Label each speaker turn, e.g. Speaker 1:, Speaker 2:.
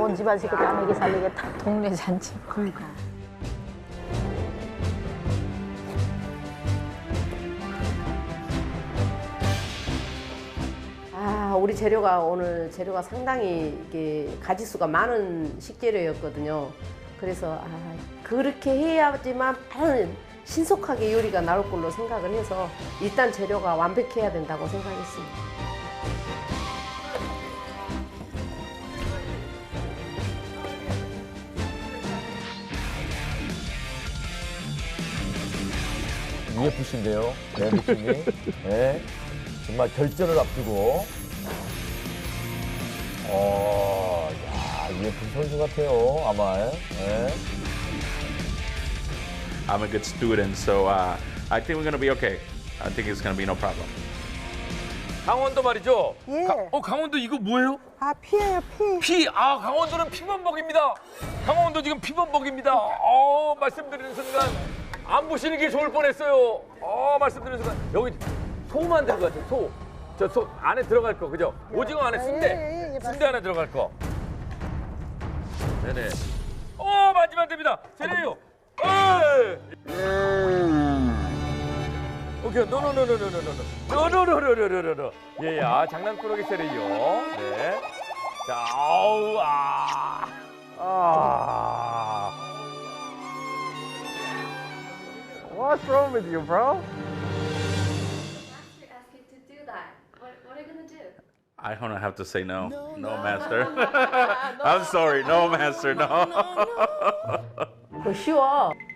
Speaker 1: 온 집안식구 다 먹이 살리겠다. 동네 잔치.
Speaker 2: 그러니까.
Speaker 3: 아, 우리 오늘 재료가 상당히 이게 가지수가 많은 식재료였거든요. 그래서 그렇게 해야지만 빠른 신속하게 요리가 나올 걸로 생각을 해서 일단 재료가 완벽해야 된다고 생각했습니다.
Speaker 4: UFC인데요. 네, 느낌이. 네. 정말 결전을 앞두고. 야, UFC 선수 같아요, 아마. 네.
Speaker 5: I'm a good student, so I think we're gonna be okay. I think it's gonna be no problem.
Speaker 4: 강원도 말이죠?
Speaker 2: 예.
Speaker 4: 강원도 이거 뭐예요?
Speaker 2: 아, 피예요, 피.
Speaker 4: 강원도는 피범벅입니다. 강원도 지금 피범벅입니다. 말씀드리는 순간 안 보시는 게 좋을 뻔했어요. 말씀드리는 순간 여기 소만 들어가죠, 소. 저 소 안에 들어갈 거, 그죠? 오징어 안에 순대.
Speaker 2: 예,
Speaker 4: 순대 안에 들어갈 거. 네네. 만지면 됩니다. 제레요. 오케이, 노노노노노노노노노노노노노노. 예, 장난꾸러기 세레요. 네. 자, What's wrong with you, bro?
Speaker 6: Master asked you to do that. What are you gonna do?
Speaker 5: I don't have to say no. No, master. I'm sorry. No, master. No.
Speaker 3: 그거 쉬워.